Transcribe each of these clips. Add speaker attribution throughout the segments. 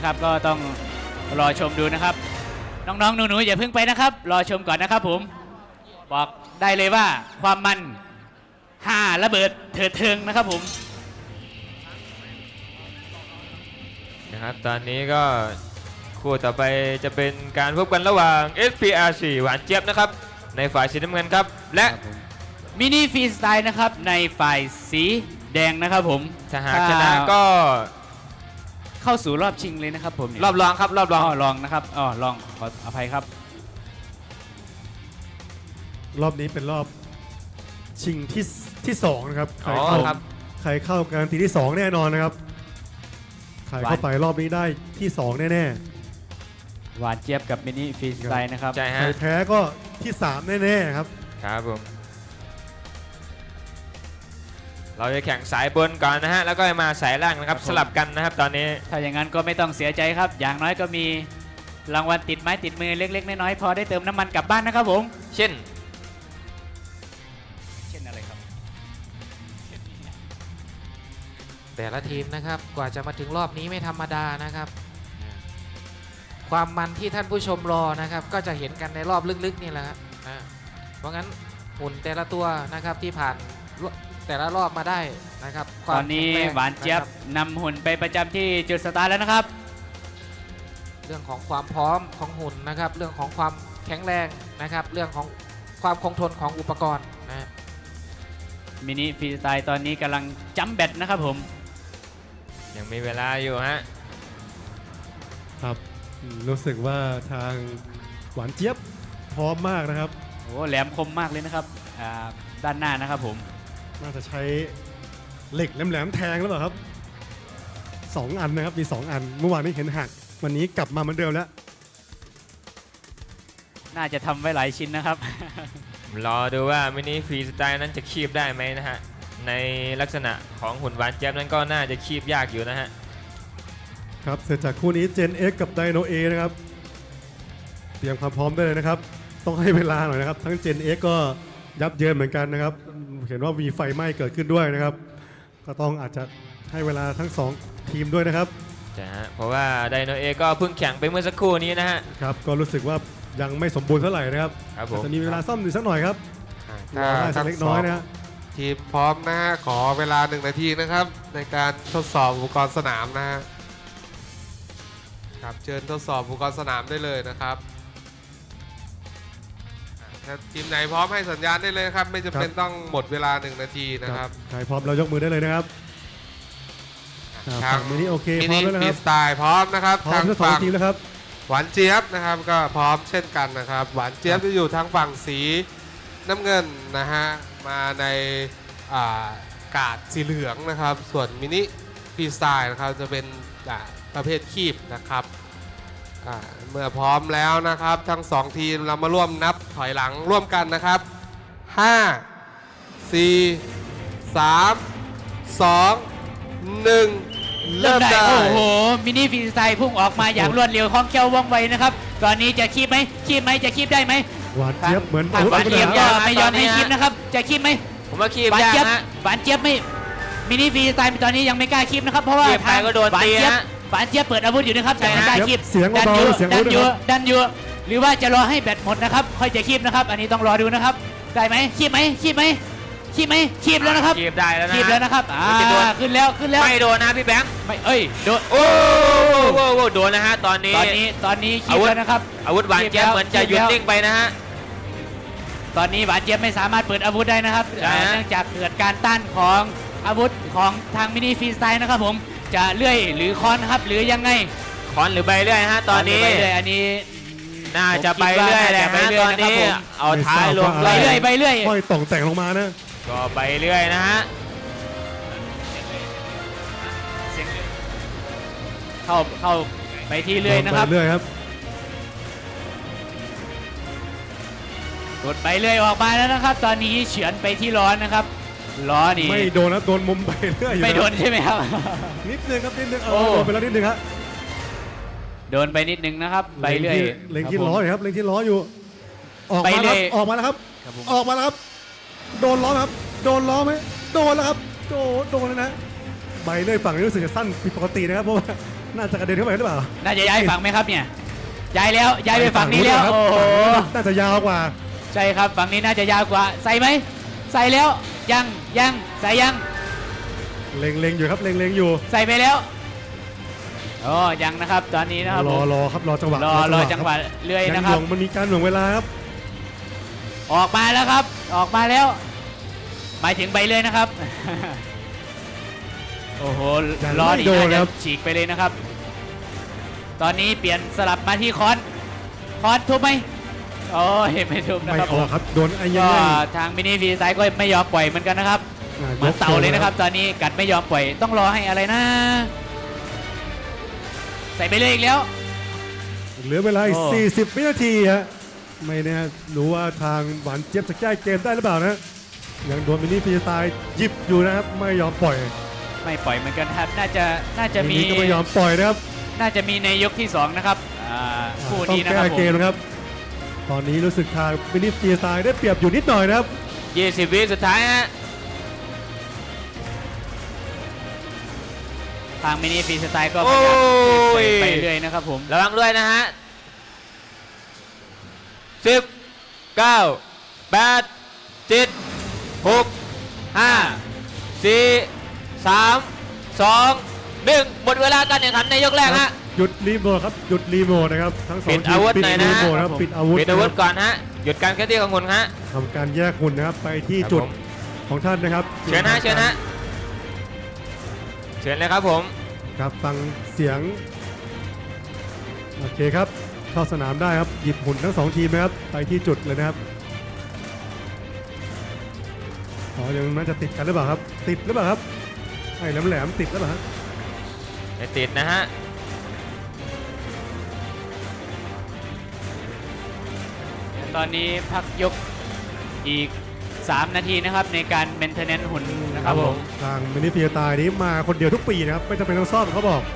Speaker 1: นะครับ ก็ต้องรอชมดูนะครับ น้องๆหนูๆอย่าเพิ่งไปนะครับ รอชมก่อนนะครับผมบอกได้เลยว่าความมันระเบิดเถิดเทิงนะครับผม
Speaker 2: นะครับตอนนี้ก็คู่ต่อไปจะเป็นการพบกันระหว่าง SPRC หวานเจี๊ยบนะครับในฝ่ายสีน้ำเงินครับและ
Speaker 1: มินิฟรีสไตล์นะครับในฝ่ายสีแดงนะครับผม
Speaker 2: ถ้าหากชนะก็
Speaker 1: เข้าสู่รอบชิงเลยนะครับผม
Speaker 2: รอบรองครับรอบรอง
Speaker 1: รองนะครับรองขออภัยครับ
Speaker 3: รอบนี้เป็นรอบชิงที่สองนะครับใครเข้าการันตีที่2แน่นอนนะครับใครเข้าไปรอบนี้ได้ที่2แน่
Speaker 1: หวานเจี๊ยบกับมินิฟรีสไตล์นะครับ
Speaker 2: ใช่
Speaker 3: ๆใค
Speaker 2: ฮะ
Speaker 3: รแพ้ก็ที่3แน่ๆครับ
Speaker 2: ครับผมเราจะแข่งสายบนก่อนนะฮะแล้วก็มาสายล่างนะครับสลับกันนะครับตอนนี้
Speaker 1: ถ้าอย่างนั้นก็ไม่ต้องเสียใจครับอย่างน้อยก็มีรางวัลติดไม้ติดมือเล็กๆน้อยๆพอได้เติมน้ำมันกลับบ้านนะครับผม
Speaker 2: เช่น
Speaker 1: อะไรครับ
Speaker 4: แต่ละทีมนะครับกว่าจะมาถึงรอบนี้ไม่ธรรมดานะครับความมันที่ท่านผู้ชมรอนะครับก็จะเห็นกันในรอบลึกๆนี่แหละครับเพราะงั้นหุ่นแต่ละตัวนะครับที่ผ่านแต่ละรอบมาได้นะครับ
Speaker 1: ตอนนี้หวานเจี๊ยบนำหุ่นไปประจำที่จุดสตาร์ทแล้วนะครับ
Speaker 4: เรื่องของความพร้อมของหุ่นนะครับเรื่องของความแข็งแรงนะครับเรื่องของความคงทนของอุปกรณ์นะ
Speaker 1: มินิฟรีสไตล์ตอนนี้กำลังจัมแบตนะครับผม
Speaker 2: ยังมีเวลาอยู่ฮะ
Speaker 3: ครับรู้สึกว่าทางหวานเจี๊ยบพร้อมมากนะครับ
Speaker 1: โอ้แหลมคมมากเลยนะครับด้านหน้านะครับผม
Speaker 3: น่าจะใช้เหล็กแหลมๆแทงแล้วเหรอครับ2อันนะครับมี2อันเมื่อวานนี้เห็นหักวันนี้กลับมาเหมือนเดิมแล้ว
Speaker 1: น่าจะทำไว้หลายชิ้นนะครับ
Speaker 2: รอดูว่ามินิฟรีสไตล์นั้นจะคีบได้ไหมนะฮะในลักษณะของหุ่นหวานเจี๊ยบนั้นก็น่าจะคีบยากอยู่นะฮะ
Speaker 3: ครับเสร็จจากคู่นี้เจน X กับไดโนเอนะครับเตรียมความพร้อมได้เลยนะครับต้องให้เวลาหน่อยนะครับทั้งเจน X ก็ยับเยินเหมือนกันนะครับเห็นว่ามีไฟไหม้เกิดขึ้นด้วยนะครับก็ต้องอาจจะให้เวลาทั้ง2ทีมด้วยนะครับ
Speaker 2: ใช่ฮะเพราะว่าไดโนเอก็เพิ่งแข่งไปเมื่อสักครู่นี้นะฮะ
Speaker 3: ครับก็รู้สึกว่ายังไม่สมบูรณ์เท่าไหร่นะครับจะมีเวลาซ่อมอีกสักหน่อยครับ
Speaker 5: ถ้า
Speaker 3: เล็กน้อยนะ
Speaker 5: ทีมพร้อมนะฮะขอเวลา1 นาทีนะครับในการทดสอบอุปกรณ์สนามนะฮะครับเชิญทดสอบอุปกรณ์สนามได้เลยนะครับถ้าทีมไหนพร้อมให้สัญญาณได้เลยครับไม่จำเป็นต้องหมดเวลา1 นาทีนะครับ
Speaker 3: ใครพร้อมเรายกมือได้เลยนะครับ
Speaker 5: ทาง
Speaker 3: มินิโอเคพร้อมแล้วนะ
Speaker 5: ฟรี
Speaker 3: ครับ
Speaker 5: สไตล์พร้อมนะครับ
Speaker 3: ทางฝั่งทีมแล้วครับ
Speaker 5: หวานเจี๊ยบนะครับก็พร้อมเช่นกันนะครับหวานเจี๊ยบจะอยู่ทางฝั่งสีน้ำเงินนะฮะมาในกาดสีเหลืองนะครับส่วนมินิฟรีสไตล์นะครับจะเป็นประเภทคีบนะครับเมื่อพร้อมแล้วนะครับทั้ง2ทีมเรามาร่วมนับถอยหลังร่วมกันนะครับ5 4 3 2 1เริ่มได้
Speaker 1: โอ้โหมินิฟรีสไตล์พุ่งออกมาอย่างรวดเร็วคล่องแคล่วว่องไวนะครับตอนนี้จะคีบไหมจะคีบได้ไหม
Speaker 3: หวานเจี๊ยบเหมือน
Speaker 1: หวานเจี๊ยบก็ไม่ยอมให้คีบนะครับจะคีบไหม
Speaker 2: ผมว่าคีบ
Speaker 1: หวาน
Speaker 2: ยาก
Speaker 1: เจี๊ยบ
Speaker 2: ฮะ
Speaker 1: หวานเจี๊ยบไม่มินิฟรีสไตล์ตอนนี้ยังไม่กล้าคีบนะครับเพราะว่า
Speaker 2: ทางก็โดนตีฮะ
Speaker 1: หวานเจี๊ยบเปิดอาวุธอยู่นะครับแต่ไม่กล้าคีบ
Speaker 3: เสียงเบาๆเสียงดั
Speaker 1: นอยู่หรือว่าจะรอให้แบตหมดนะครับค่อยจะคีบนะครับอันนี้ต้องรอดูนะครับได้ไหมคีบไหมคีบแล้วนะครับ
Speaker 2: คีบได้แล้วนะ
Speaker 1: คีบแล้วนะครับขึ้นแล้ว
Speaker 2: ไม่โดนนะพี่แบงค์
Speaker 1: ไม่โดน
Speaker 2: โอ้โดนนะฮะตอนนี้
Speaker 1: คีบแล้วนะครับ
Speaker 2: อาวุธหวานเจี๊ยบเหมือนจะหยุดนิ่งไปนะฮะ
Speaker 1: ตอนนี้หวานเจี๊ยบไม่สามารถเปิดอาวุธได้นะครับเนื่องจากเกิดการต้านของอาวุธของทางมินิฟรีสไตล์นะครับผมจะเลื่อยหรือค้อนครับหรือยังไง
Speaker 2: ค้อนหรือใบเลื่อยฮะตอนนี้
Speaker 1: อันนี้
Speaker 2: น่าจะใบเลื่อยแหละฮะตอนนี้เอาท้ายลง
Speaker 1: ใบเลื่อย
Speaker 3: ค่อยต่องแต่งลงมานะ
Speaker 2: ก็ใบเลื่อยนะฮะ
Speaker 1: เข้าไปที่เลื่อยนะครับ
Speaker 3: เลื่อยครับ
Speaker 1: กดไปเลื่อยออกมาแล้วนะครับตอนนี้เฉือนไปที่ล้อนะครับล้อนี่
Speaker 3: ไม่โดนนะโดนมุมใบเลื่อย
Speaker 1: ไม่โดนใช่ไหมครับ
Speaker 3: นิดนึงครับนิดนึงโดนไปแล้วนิดนึงครับ
Speaker 1: โดนไปนิดนึงนะครับใบเลื่อย
Speaker 3: เล็งที่ล้ออยู่ครับเล็งที่ล้ออยู่ออกมาแล้วออกมาแล้วครับออกมาแล้วครับโดนล้อครับโดนล้อไหมโดนแล้วครับโดนแล้วนะใบเลื่อยฝั่งนี้รู้สึกจะสั้นผิดปกตินะครับเพราะว่าน่าจะกระเด็นเข้าไปหรือเปล่า
Speaker 1: น่าจะย้ายฝั่งไหมครับเนี่ยย้ายแล้วย้ายไปฝั่งนี้แล้ว
Speaker 3: ครับ
Speaker 1: โอ้โห
Speaker 3: น่าจะยาวกว่า
Speaker 1: ใช่ครับฝั่งนี้น่าจะยาวกว่าใส่ไหมใส่แล้วยังใส่ยัง
Speaker 3: เล็งๆอยู่ครับเล็งๆอยู่
Speaker 1: ใส่ไปแล้วอ๋อยังนะครับตอนนี้นะครับ
Speaker 3: ร
Speaker 1: ผ
Speaker 3: อ
Speaker 1: ม
Speaker 3: รอครับรอจังหวะ
Speaker 1: รอจังหวะเลื่อย
Speaker 3: ยั
Speaker 1: นะ
Speaker 3: ง
Speaker 1: ค
Speaker 3: ห
Speaker 1: รับ
Speaker 3: น่วงมันมีการหน่วงเวลาครับ
Speaker 1: ออกมาแล้วครับออกมาแล้วหมายถึงใบเลื่อยนะครับ โอ้โห
Speaker 3: ยัง
Speaker 1: ล้อ
Speaker 3: ไม่
Speaker 1: นี่
Speaker 3: โดน
Speaker 1: น่าจะ
Speaker 3: ครับ
Speaker 1: ฉีกไปเลยนะครับ ตอนนี้เปลี่ยนสลับมาที่คอนทุบไหมโอ้ยไม่ทุบนะ
Speaker 3: ไม่
Speaker 1: ครับ
Speaker 3: ออกครับโดนไอ้ยั
Speaker 1: ก็
Speaker 3: งไง
Speaker 1: ทางมินิฟรีสไตล์ก็ไม่ยอมปล่อยเหมือนกันนะครับเหมือนเต่าเลยนะครับ ตอนนี้กัดไม่ยอมปล่อยต้องรอให้อะไรนะ ใส่ไปเลยอีกแล้ว
Speaker 3: เหลือเวลาอีก
Speaker 1: โอ้
Speaker 3: 40 วินาทีฮะไม่แน่รู้ว่าทางหวานเจี๊ยบจะแก้เกมได้หรือเปล่านะยังโดนมินิฟรีสไตล์หยิบอยู่นะครับไม่ยอมปล่อย
Speaker 1: ไม่ปล่อยเหมือนกันครับน่าจะมี
Speaker 3: ทีนี้ก็ไม่ยอมปล่อยนะครับ
Speaker 1: น่าจะมีในยกที่สองนะครับคู่
Speaker 3: ต้อง
Speaker 1: นี้นะค
Speaker 3: แก้
Speaker 1: รับผ
Speaker 3: เกม
Speaker 1: ม
Speaker 3: นะครับ ตอนนี้รู้สึกทางมินิฟรีสไตล์ได้เปรียบอยู่นิดหน่อยนะครับ
Speaker 2: 20 วิสุดท้ายฮะ
Speaker 1: ทางมินิฟรีสไตล์ก็พยายามปล่อยไปเรื่อยนะครับผม
Speaker 2: ระวังด้วยนะฮะ 10 9 8 7 6 5 4 3 2 1 หมดเวลาการแข่งขันในยกแรกฮะ
Speaker 3: หยุดรีโมทครับหยุดรีโมทนะครับทั้งสอง
Speaker 2: ปิด
Speaker 3: ที
Speaker 2: อาม วุธ
Speaker 3: ปิด
Speaker 2: หน่อย
Speaker 3: รี
Speaker 2: นะ
Speaker 3: โมทครับปิดอาวุธ
Speaker 2: ปิดอาวุธ
Speaker 3: นะครับ
Speaker 2: ก่อนฮะ หยุดการเคลื่อนที่ของคุณฮะ
Speaker 3: ทำการแยกหุ่นนะครับไปที่
Speaker 2: ครับ
Speaker 3: จุด
Speaker 2: ผม
Speaker 3: ของท่านนะครับ
Speaker 2: เชิญฮะเชิญฮะเชิญเลยครับผม
Speaker 3: ครับฟังเสียงโอเคครับเข้าสนามได้ครับหยิบหุ่นทั้งสองทีมนะครับไปที่จุดเลยนะครับอ๋อยังน่าจะติดกันหรือเปล่าครับติดหรือเปล่าครับไอ้แหลมๆติดหรือเปล่าฮะ
Speaker 2: ไม่ติดนะฮะ
Speaker 1: ตอนนี้พักยกอีก 3 นาทีนะครับในการเมนเทนเนนหุ่นนะครับผม
Speaker 3: ทางมินิเพียตายนี้มาคนเดียวทุกปีนะครับไม่จำเป็นต้องซ่อมเขาบอก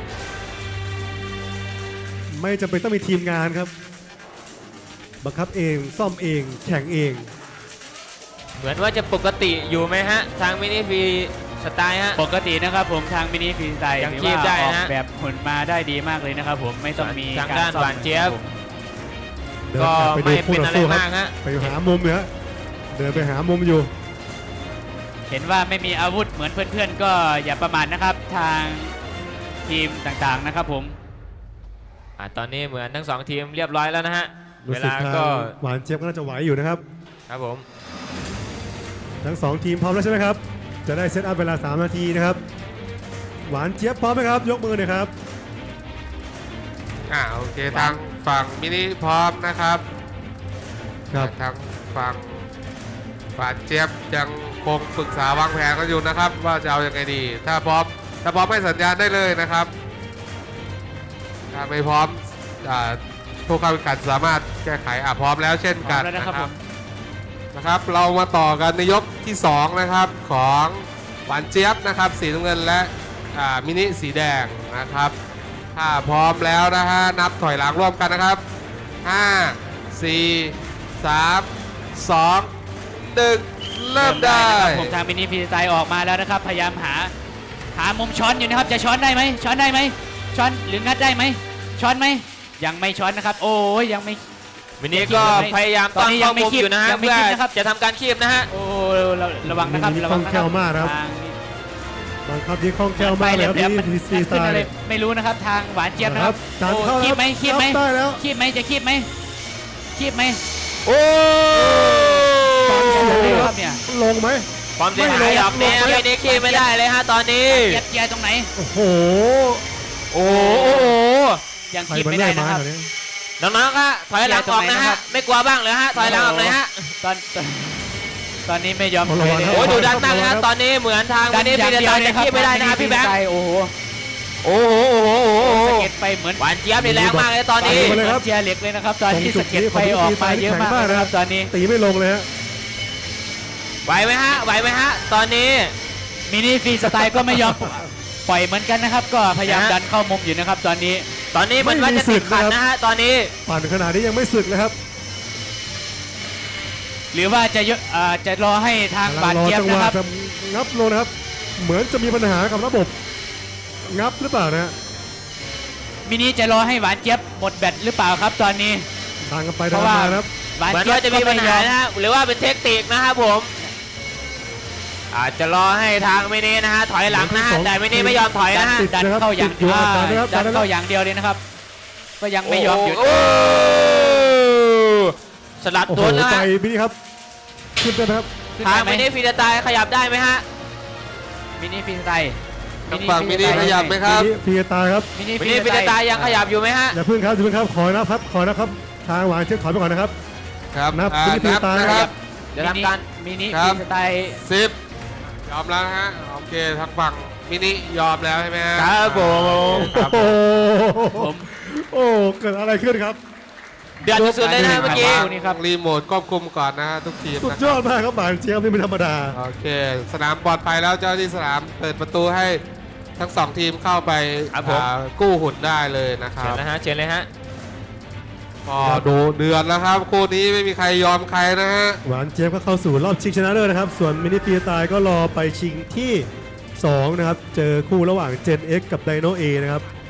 Speaker 3: ไม่จำเป็นต้องมีทีมงานครับบังคับเองซ่อมเองแข่งเอง
Speaker 2: เหมือนว่าจะปกติอยู่ไหมฮะ ทางมินิฟรีสไตล์ฮะ
Speaker 1: ปกตินะครับผมทางมินิฟรีสไตล์
Speaker 2: ยัง
Speaker 1: ถือ
Speaker 2: คีบ
Speaker 1: ว่า
Speaker 2: ได้
Speaker 1: ออก
Speaker 2: นะ
Speaker 1: แบบหุ่นมาได้ดีมากเลยนะครับผมไม่ต้องมี
Speaker 2: ทาง
Speaker 1: การ
Speaker 2: ด้าน
Speaker 1: ซ่อม
Speaker 2: หวานเจี๊ยบ
Speaker 3: เดิน
Speaker 2: ก็
Speaker 3: ไป
Speaker 2: ไม่
Speaker 3: ดูคู่
Speaker 2: เป็น
Speaker 3: ต่อ
Speaker 2: อะไร
Speaker 3: สู้ครั
Speaker 2: มา
Speaker 3: บ
Speaker 2: กฮะ
Speaker 3: ไปหามุมเนี่ยฮะเดินไปหามุมอยู่
Speaker 1: เห็นว่าไม่มีอาวุธเหมือนเพื่อนๆก็อย่าประมาทนะครับทางทีมต่างๆนะครับผม
Speaker 2: ตอนนี้เหมือนทั้งสองทีมเรียบร้อยแล้วนะฮะ
Speaker 3: รู้
Speaker 2: เว
Speaker 3: สึก
Speaker 2: ลา
Speaker 3: ทาง
Speaker 2: ก็
Speaker 3: หวานเจี๊ยบก็น่าจะไหวอยู่นะครับ
Speaker 2: ครับผม
Speaker 3: ทั้งสองทีมพร้อมแล้วใช่ไหมครับจะได้เซตอัพเวลา3 นาทีนะครับหวานเจี๊ยบพร้อมไหมครับยกมือหน่อยครับ
Speaker 5: โอเคทางฝั่งมินิพร้อมนะครับ
Speaker 3: ครับ
Speaker 5: ทางฝั่งหวานเจี๊ยบยังคงปรึกษาวางแผนกันอยู่นะครับ ว่าจะเอายังไงดี ถ้าพร้อมให้สัญญาณได้เลยนะครับ ถ้าไม่พร้อมผู้เข้าแข่งขันสามารถแก้ไขพร้อมแล้วเช่นกัน
Speaker 1: พร้อมแล้วนะครับผม
Speaker 5: นะครับ เรามาต่อกันในยกที่2นะครับของหวานเจี๊ยบนะครับสีน้ำเงินและมินิสีแดงนะครับ ถ้าพร้อมแล้วนะฮะนับถอยหลังร่วมกันนะครับ 5 4 3 2 1 เริ่มได้
Speaker 1: นะครับผมทางมินิฟรีสไตล์ออกมาแล้วนะครับพยายามหามุมช้อนอยู่นะครับจะช้อนได้ไหมช้อนได้ไหมช้อนหรืองัดได้ไหมช้อนไหมยังไม่ช้อนนะครับ โอ้ยยังไม่
Speaker 2: มินิก็พยายาม
Speaker 1: ตอนนี้ยัง
Speaker 2: เข้า
Speaker 1: ไม่
Speaker 2: มุม
Speaker 1: คีบ
Speaker 2: อยู่นะฮะ
Speaker 1: ยังไม่
Speaker 2: เพื่อ
Speaker 1: คีบนะครับ
Speaker 2: จะทำการคีบนะฮะ
Speaker 1: โอ้ระวังนะครับ
Speaker 3: มินิ
Speaker 1: ระวังนะ
Speaker 3: คล่องแคล่วมากนะครับ
Speaker 1: ทาง
Speaker 3: บังคับยิงคล่องแคล่วมากเลยครับ
Speaker 1: แหลมๆ
Speaker 3: นี่
Speaker 1: มัน
Speaker 3: ทีซีสไต
Speaker 1: ขึ้นอะไร
Speaker 3: ล์
Speaker 1: ไม่รู้นะครับทางหวานเจี๊ยบนะครับ
Speaker 3: การ
Speaker 1: โอ้
Speaker 3: เข้า
Speaker 1: คีบไหมคีบไหม
Speaker 3: รับได้แล้ว
Speaker 1: คีบไหมจะคีบไหมคีบไหม
Speaker 2: โอ้
Speaker 3: ฟังเสียง
Speaker 1: โอ้
Speaker 3: ดี
Speaker 1: โห
Speaker 3: ครับ
Speaker 1: เนี่ย
Speaker 3: ลงไหม
Speaker 2: ความเสียหายดอกนี้
Speaker 3: ไม่ลง
Speaker 2: มินิคีบไม่ได้เลยฮะตอนนี้
Speaker 1: เกียร์ตรงไหน
Speaker 3: โอ้โห
Speaker 2: โอ้โห
Speaker 1: ยัง
Speaker 3: ใคร
Speaker 1: คีบ
Speaker 3: มัน
Speaker 1: ไม่
Speaker 3: ได้
Speaker 1: ได้
Speaker 3: ไม้
Speaker 1: นะครับ
Speaker 3: เหรอเนี่ย
Speaker 2: น้องๆครับถอยหลังออกนะฮะ ไม่กลัวบ้างเลยฮะ ถอยหลังออกเลยฮะ
Speaker 1: ตอนนี้ไม่ยอม
Speaker 3: ระวัง
Speaker 1: ถอยเลย
Speaker 3: ครับ
Speaker 2: โอ้ดูดันมากเลยฮะตอนนี้เหมือนทาง
Speaker 1: ดั
Speaker 2: มิ
Speaker 1: น
Speaker 2: นิ
Speaker 1: อ
Speaker 2: ฟี
Speaker 1: ย่าง
Speaker 2: เด
Speaker 1: เดียว
Speaker 2: ตา
Speaker 1: เลย
Speaker 2: จะ
Speaker 1: ครับ
Speaker 2: คีบไม่ได้นะฮะพี่แบงค์
Speaker 1: โอ้โห
Speaker 2: โอ้โหโอ้โหโอ้โห
Speaker 1: สะเก็ดไปเหมือน
Speaker 2: หวานเจี๊ยบนี่แรงมากเลยตอนนี้
Speaker 3: ไปเลยครับ
Speaker 1: เจียเหล็กเลยนะครับ ตอนนี้
Speaker 3: ตรงจุ
Speaker 1: สะ
Speaker 3: ด
Speaker 1: เก็ด
Speaker 3: นี้
Speaker 1: ไฟออกมาเยอะมาก
Speaker 3: ของ
Speaker 1: เลยนะครับตอนนี้
Speaker 3: ตีไม่ลงเลยฮะ
Speaker 2: ไหวไหมฮะ ไหวไหมฮะ ตอนนี้
Speaker 1: มินิฟรีสไตล์ก็ไม่ยอมปล่อยเหมือนกันนะครับ ก็พยายาม
Speaker 2: ฮะ
Speaker 1: ดันเข้ามุมอยู่นะครับ ตอนนี้
Speaker 2: ตอนนี้เหมือนว่าจะติดขัดนะฮะ ตอนนี้
Speaker 3: ปั่นขนาดนี้ยังไม่สึกเลยครับ
Speaker 1: หรือว่าจะรอให้ทางบาด
Speaker 3: รอ
Speaker 1: เจ็บ
Speaker 3: จังห
Speaker 1: นะ
Speaker 3: วะ
Speaker 1: ครับ
Speaker 3: จะงับลงนะครับ เหมือนจะมีปัญหากับระบบงับหรือเปล่านะฮะ
Speaker 1: มินิจะรอให้หวานเจี๊ยบหมดแบตหรือเปล่าครับตอนนี้
Speaker 3: ดังกันไป
Speaker 1: เพ
Speaker 3: ดัง
Speaker 1: ราะ
Speaker 3: กัน
Speaker 1: ว่า
Speaker 3: มานะครับ
Speaker 1: หวาน
Speaker 2: เหมือน
Speaker 1: เจี๊ยบ
Speaker 2: ว่าจะมีปัญหานะฮะหรือว่าเป็นเทคนิคนะครับผม อาจจะรอให้ทางมินินะฮะถอยหลังนะฮะแต่มินิไม่ยอมถอยนะฮะ
Speaker 1: ดันเข้าอย่าง
Speaker 3: ติดอยู่ครับดันนะครับ
Speaker 1: ดัน
Speaker 3: ดันนะครับ
Speaker 1: เข้าอย่างเดียวเลยนะครับ ก็ยังไม่ยอมหยุด
Speaker 2: โอ้สลัด
Speaker 3: โอ้โห
Speaker 2: ตัวนะ
Speaker 3: ไป
Speaker 2: ฮะ
Speaker 3: มินิครับขึ้นได้ไหมครับ
Speaker 2: ทางมินิฟีดตายขยับได้ไหมฮะ
Speaker 1: มินิฟรีสไตล์
Speaker 5: ทางฝั่งมินิขยับไหมครับ
Speaker 3: มินิพีตาครับ
Speaker 1: มินิ
Speaker 2: มิ
Speaker 1: ฟรี
Speaker 2: นิ
Speaker 1: ส
Speaker 2: ฟี
Speaker 1: ไต
Speaker 2: ด
Speaker 1: ล์
Speaker 2: ตายยังขยับอยู่ไหมฮะ
Speaker 3: อย่าเพิ่งครับอย่าเพิ่งครับขอนะครับขอนะครับทางหวานเช็คถอยไปก่อนนะครับ
Speaker 5: ครับ
Speaker 3: นับ
Speaker 5: อ่า
Speaker 3: มินิ
Speaker 5: นับ
Speaker 3: ตาย
Speaker 5: นะครับ
Speaker 2: เดี๋ยวทำการ
Speaker 1: มินิ
Speaker 5: ครั
Speaker 1: ฟ
Speaker 5: บ
Speaker 1: รีสไตล์
Speaker 5: 10 ยอมแล้วนะฮะโอเคทางฝั่งมินิยอมแล้วใช่ไหมฮะ
Speaker 2: ครับผม
Speaker 5: ครับ
Speaker 3: โอ้โห
Speaker 1: ผม
Speaker 3: โอ้เกิดอะไรขึ้นครับ
Speaker 2: เดือดสุดๆเลยนะเมื่อกี้
Speaker 1: นี่ครับ
Speaker 5: รีโมทควบคุมก่อนนะฮะทุกทีม
Speaker 3: สุด
Speaker 5: นะ
Speaker 3: ยอดมากครับหวานเจี๊ยบนี่ไม่ธรรมดา
Speaker 5: โอเค สนามปลอดภัยแล้วเจ้าหน้าที่สนามเปิดประตูให้ทั้งสองทีมเข้าไป
Speaker 2: ครับผม
Speaker 5: กู้หุ่นได้เลยนะค
Speaker 2: เชิ
Speaker 5: รั
Speaker 2: ญ
Speaker 5: บ
Speaker 2: นะฮะเชิญเลยฮะ
Speaker 5: ก็ดูเดือดแล้วครับคู่นี้ไม่มีใครยอมใครนะฮะ
Speaker 3: หวานเจี๊ยบก็เข้าสู่รอบชิงชนะเลิศนะครับ ส่วนมินิฟีตายก็รอไปชิงที่ 2 นะครับ เจอคู่ระหว่าง Gen X กับ Dino A นะครับ